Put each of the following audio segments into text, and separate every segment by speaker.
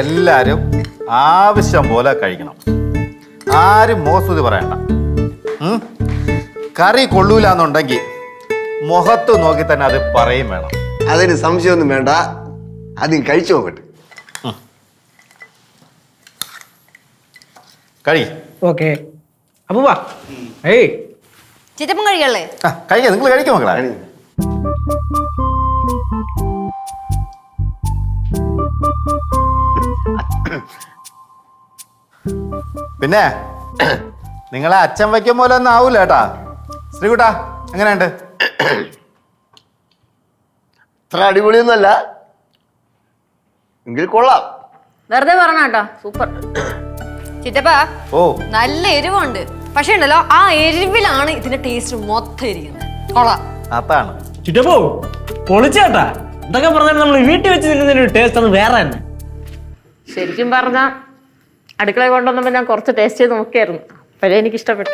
Speaker 1: എല്ലാരും ആവശ്യം പോലെ കഴിക്കണം. ആരും മോസ്തുതി പറയണ്ട. കറി കൊള്ളൂലെന്നുണ്ടെങ്കിൽ മുഖത്ത് നോക്കി തന്നെ അത് പറയും വേണം.
Speaker 2: അതിന് സംശയമൊന്നും വേണ്ട, ആദ്യം കഴിച്ചു നോക്കട്ടെ.
Speaker 1: കഴി.
Speaker 3: ഓക്കെ അപ്പൂപ്പാ. ഏയ്
Speaker 4: ചിറ്റപ്പം കഴിക്കല്ലേ?
Speaker 1: കഴിക്കാം, നിങ്ങൾ കഴിക്കും മക്കളെ. പിന്നെ നിങ്ങളെ അച്ഛൻ വയ്ക്കും പോലെ ഒന്നും ആവൂല കേട്ടാ. ശ്രീകുട്ടാ എങ്ങനെയുണ്ട്?
Speaker 2: അത്ര അടിപൊളിയൊന്നുമല്ല, എങ്കിൽ കൊള്ളാം.
Speaker 4: വെറുതെ പറഞ്ഞ കേട്ടോ, സൂപ്പർ. ചിറ്റപ്പാ
Speaker 1: ഓ
Speaker 4: നല്ല എരിവുണ്ട്, പക്ഷെ ഉണ്ടല്ലോ ആ എരിവിലാണ് ഇതിന്റെ ടേസ്റ്റ് മൊത്തം ഇരിക്കുന്നത്. കൊള്ളാം.
Speaker 1: അതാണ്
Speaker 3: ചുറ്റപ്പോ പൊളിച്ചേട്ടാ. എന്തൊക്കെ പറഞ്ഞാൽ നമ്മൾ വീട്ടിൽ വെച്ച് തിന്നുന്നതിന് ടേസ്റ്റ് അത് വേറെ തന്നെ.
Speaker 4: ശരിക്കും പറഞ്ഞ അടുക്കള കൊണ്ടുവന്നപ്പോ ഞാൻ കുറച്ച് ടേസ്റ്റ് ചെയ്ത് നോക്കിയായിരുന്നു, അപ്പോഴേ എനിക്ക് ഇഷ്ടപ്പെട്ടു.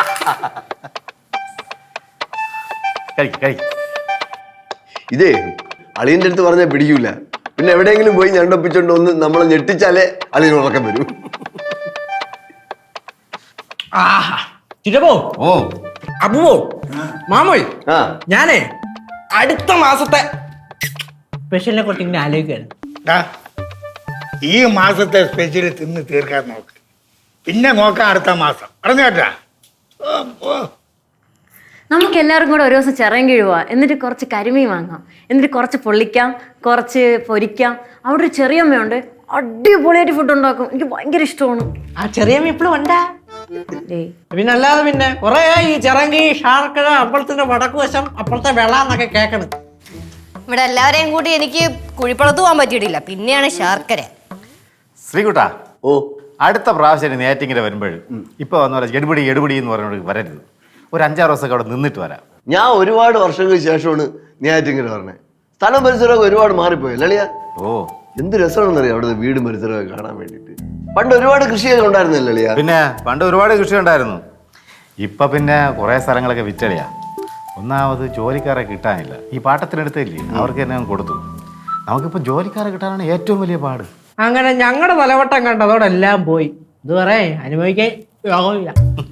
Speaker 2: ഇതേ അളിയന്റെ അടുത്ത് പറഞ്ഞാൽ പിടിക്കൂല, പിന്നെ എവിടെയെങ്കിലും പോയി ഞണ്ടൊപ്പിച്ചോണ്ട് ഒന്ന് നമ്മളെ ഞെട്ടിച്ചാലേ അളിയന് ഉറക്കം വരും.
Speaker 3: ചുറ്റപ്പോ
Speaker 1: ഓ
Speaker 3: അപ്പൂപ്പോ മാമോയ്,
Speaker 2: ആ
Speaker 3: ഞാനേ അടുത്ത മാസത്തെ സ്പെഷ്യലിനെ കുറിച്ച് ഇങ്ങനെ ആലോചിക്കുകയാണ്.
Speaker 5: ഈ മാസത്തെ സ്പെഷ്യൽ തിന്ന് തീർക്കാൻ നോക്ക്, പിന്നെ നോക്കാം അടുത്ത മാസം. പറഞ്ഞു കേട്ടാ?
Speaker 4: നമുക്ക് എല്ലാവർക്കും കൂടെ ഒരു ദിവസം ചിറയൻകീഴ് പോവാം, എന്നിട്ട് കുറച്ച് കരിമീൻ വാങ്ങാം, എന്നിട്ട് കുറച്ച് പൊള്ളിക്കാം, കുറച്ച് പൊരിക്കാം. അവിടെ ഒരു ചെറിയമ്മയുണ്ട്, അടിപൊളിയായിട്ട് ഫുഡ് ഉണ്ടാക്കും, എനിക്ക് ഭയങ്കര ഇഷ്ടമാണ്.
Speaker 3: ആ ചെറിയ ഇപ്പോഴും ഉണ്ടാ. പിന്നെ അല്ലാതെ പിന്നെ കൊറേ ഈ ചിറങ്കി ഷാർക്കഴ അപ്പുറത്തിന്റെ വടക്ക് വശം അപ്പുറത്തെ വെള എന്നൊക്കെ കേൾക്കണം.
Speaker 4: ഇവിടെ എല്ലാവരെയും കൂടി എനിക്ക് കുഴിപ്പളത്ത് പോകാൻ പറ്റിയിട്ടില്ല, പിന്നെയാണ് ശർക്കര.
Speaker 1: ശ്രീകുട്ടാ,
Speaker 2: ഓ
Speaker 1: അടുത്ത പ്രാവശ്യം നേറ്റിങ്ങിന് വരുമ്പോഴും ഇപ്പൊ വന്ന പോലെ എടുപിടി എടുപിടി എന്ന് പറഞ്ഞോട് വരരുത്. ഒരു 5-6 ദിവസമൊക്കെ അവിടെ നിന്നിട്ട് വരാം.
Speaker 2: ഞാൻ ഒരുപാട് വർഷങ്ങൾക്ക് ശേഷമാണ് നെയ്യാറ്റിൻകര പറഞ്ഞത്. സ്ഥലം പരിസരമൊക്കെ ഒരുപാട് മാറിപ്പോയി ലളിയ.
Speaker 1: ഓ
Speaker 2: എന്ത് രസമാണെന്നറിയാം അവിടുത്തെ വീടും പരിസരമൊക്കെ കാണാൻ വേണ്ടിട്ട്. പണ്ട് ഒരുപാട് കൃഷിയൊക്കെ ഉണ്ടായിരുന്നല്ലോ ലളിയ.
Speaker 1: പിന്നെ പണ്ട് ഒരുപാട് കൃഷി ഉണ്ടായിരുന്നു. ഇപ്പൊ പിന്നെ കുറെ സ്ഥലങ്ങളൊക്കെ വിറ്റളിയാ. ഒന്നാമത് ജോലിക്കാരെ കിട്ടാനില്ല. ഈ പാട്ടത്തിനെടുത്തില്ലേ, അവർക്ക് തന്നെ കൊടുത്തു. നമുക്കിപ്പോ ജോലിക്കാരെ കിട്ടാനാണ് ഏറ്റവും വലിയ പാട്.
Speaker 3: അങ്ങനെ ഞങ്ങളുടെ തലവട്ടം കണ്ടതോടെ എല്ലാം പോയി. ഇത് പറയേ അനുഭവിക്കാൻ യോഗമില്ല.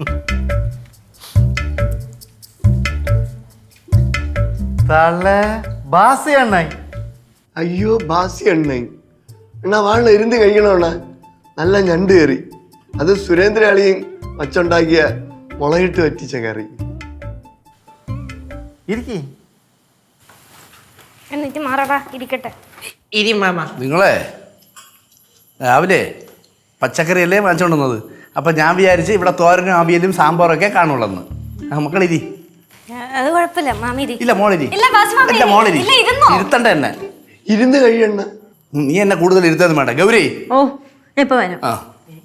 Speaker 1: ബാസി എണ്ണായി.
Speaker 2: അയ്യോ ബാസി എണ്ണ എന്നാ വാളിൽ ഇരുന്ന് കഴിക്കണോണ്ണ. നല്ല ഞണ്ട് കയറി, അത് സുരേന്ദ്ര അളിയും വച്ചുണ്ടാക്കിയ മുളയിട്ട് വറ്റിച്ച കറി.
Speaker 4: എന്നിട്ട് മാറാ ഇരിക്കട്ടെ.
Speaker 6: നിങ്ങളെ രാവിലെ പച്ചക്കറിയല്ലേ വാങ്ങിച്ചോണ്ടുവന്നത്. അപ്പം ഞാൻ വിചാരിച്ച് ഇവിടെ തോരനും അവിയലും സാമ്പാറൊക്കെ കാണുള്ളന്ന്. മക്കളിരി.
Speaker 4: അത് കുഴപ്പമില്ല, മാമി
Speaker 6: ഇല്ല മോളിരി. ഇല്ല മോളിരി, ഇരുത്തണ്ട എന്നെ.
Speaker 2: ഇരുന്ന് കഴിയണ്ണ.
Speaker 6: നീ എന്നെ കൂടുതൽ ഇരുത്തൊന്നും വേണ്ട. ഗൗരി
Speaker 4: ഓ ഇപ്പൊ വരാം.
Speaker 6: ആ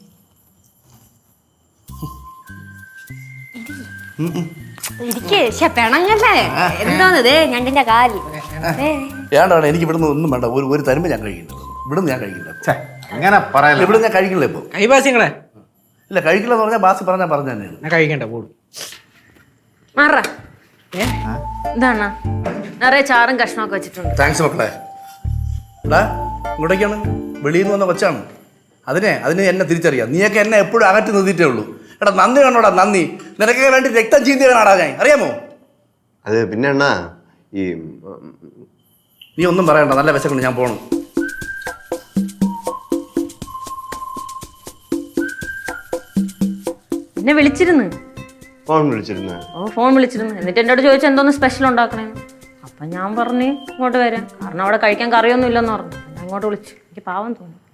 Speaker 4: പെണങ്ങല്ലേ എന്താന്നതേ ഞണ്ടിന്റെ കാല്.
Speaker 6: ഏണ്ടാണ് എനിക്ക് ഇവിടുന്ന് ഒന്നും വേണ്ട. ഒരു തരുമ്പ് ഞാൻ കഴിക്കുന്നത് ഇവിടുന്ന് ഞാൻ കഴിക്കില്ല.
Speaker 1: അങ്ങനെ പറയല്ല,
Speaker 6: ഇവിടെ ഞാൻ കഴിക്കില്ല. ഇപ്പൊ
Speaker 3: കൈബാസിങ്ങളെ
Speaker 6: ഇല്ല കഴിക്കില്ല എന്ന് പറഞ്ഞാൽ ബാസി പറഞ്ഞാൽ പറഞ്ഞു തന്നെയാണ്.
Speaker 3: ഞാൻ കഴിക്കണ്ട കൂടും.
Speaker 4: മാറാ എന്താണ് നിറയെ ചാറും കഷ്ണമൊക്കെ വെച്ചിട്ടുണ്ട്.
Speaker 6: താങ്ക്സ് മക്കളെ. എടാ ഇങ്ങോട്ടേക്കാണ്, വെളിയിൽ നിന്ന് വന്ന കൊച്ചാണ്. അതിന് എന്നെ തിരിച്ചറിയാം. നീയൊക്കെ എന്നെ എപ്പോഴും അകറ്റി നിർത്തിയിട്ടേ ഉള്ളൂ. എടാ നന്ദി വേണോടാ, നന്ദി. നിനക്കൊക്കെ വേണ്ടി രക്തം ചീന്തിയാടാ ഞാൻ, അറിയാമോ?
Speaker 2: അതെ പിന്നെ അണ്ണാ ഈ
Speaker 6: നീ ഒന്നും പറയണ്ട, നല്ല വിശക്കുണ്ട്, ഞാൻ പോണു.
Speaker 4: എന്നെ വിളിച്ചിരുന്നു.
Speaker 2: ഫോൺ വിളിച്ചിരുന്ന?
Speaker 4: ഓ ഫോൺ വിളിച്ചിരുന്നു. എന്നിട്ട് എന്നോട് ചോദിച്ചു എന്തോന്ന് സ്പെഷ്യൽ ഉണ്ടാക്കണേന്ന്. അപ്പൊ ഞാൻ പറഞ്ഞു ഇങ്ങോട്ട് വരാം, കാരണം അവിടെ കഴിക്കാൻ കറിയൊന്നും ഇല്ലെന്ന് പറഞ്ഞു. ഞാൻ ഇങ്ങോട്ട് വിളിച്ചു. എനിക്ക് പാവം തോന്നി.